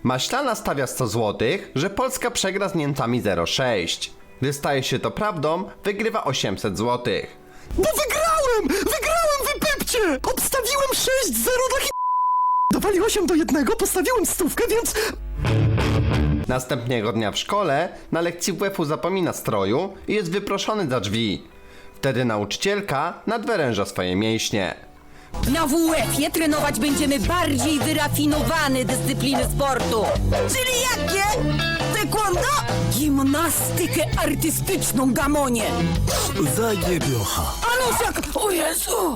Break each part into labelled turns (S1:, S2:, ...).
S1: Maślana stawia 100 zł, że Polska przegra z Niemcami 0,6. Gdy staje się to prawdą, wygrywa 800 zł.
S2: Bo wygrałem, wypypcie! Obstawiłem 6-0 dla Dawali 8-1, postawiłem stówkę, więc...
S1: Następnego dnia w szkole na lekcji WF-u zapomina stroju i jest wyproszony za drzwi. Wtedy nauczycielka nadwyręża swoje mięśnie.
S3: Na WF-ie trenować będziemy bardziej wyrafinowane dyscypliny sportu. Czyli jakie? Taekwondo? Gimnastykę artystyczną, gamonie.
S2: Zajebiocha.
S3: Anusiak! O Jezu!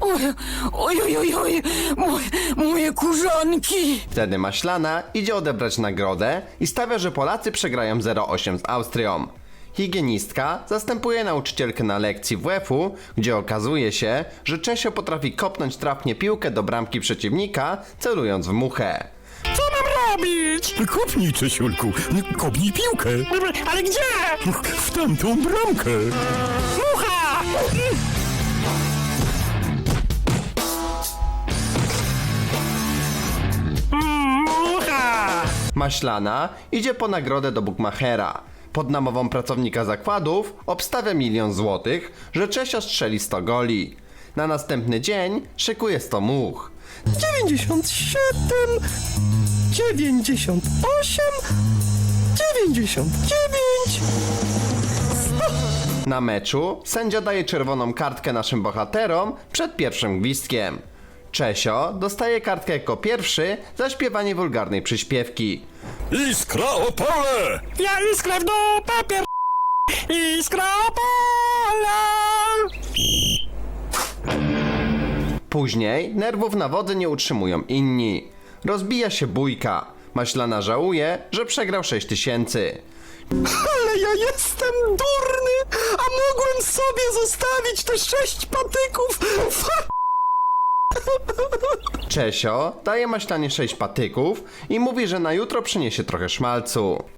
S3: Oj, moje kurzonki!
S1: Wtedy Maślana idzie odebrać nagrodę i stawia, że Polacy przegrają 0,8 z Austrią. Higienistka zastępuje nauczycielkę na lekcji WF-u, gdzie okazuje się, że Czesio potrafi kopnąć trafnie piłkę do bramki przeciwnika, celując w muchę.
S2: Co mam robić? Kopnij, Czesiulku, kopnij piłkę. Ale gdzie? W tamtą bramkę. Mucha! Mucha!
S1: Maślana idzie po nagrodę do bukmachera. Pod namową pracownika zakładów obstawia 1 000 000 złotych, że Czesio strzeli 100 goli. Na następny dzień szykuje 100 much.
S2: 97, 98, 99.
S1: Na meczu sędzia daje czerwoną kartkę naszym bohaterom przed pierwszym gwizdkiem. Czesio dostaje kartkę jako pierwszy za śpiewanie wulgarnej przyśpiewki.
S2: Iskra Opole! Ja iskrę w dupę pier... Iskra Opole!
S1: Później nerwów na wodzy nie utrzymują inni. Rozbija się bójka. Maślana żałuje, że przegrał 6000.
S2: Ale ja jestem durny, a mogłem sobie zostawić te 6 patyków.
S1: Czesio daje Maślanie 6 patyków i mówi, że na jutro przyniesie trochę szmalcu.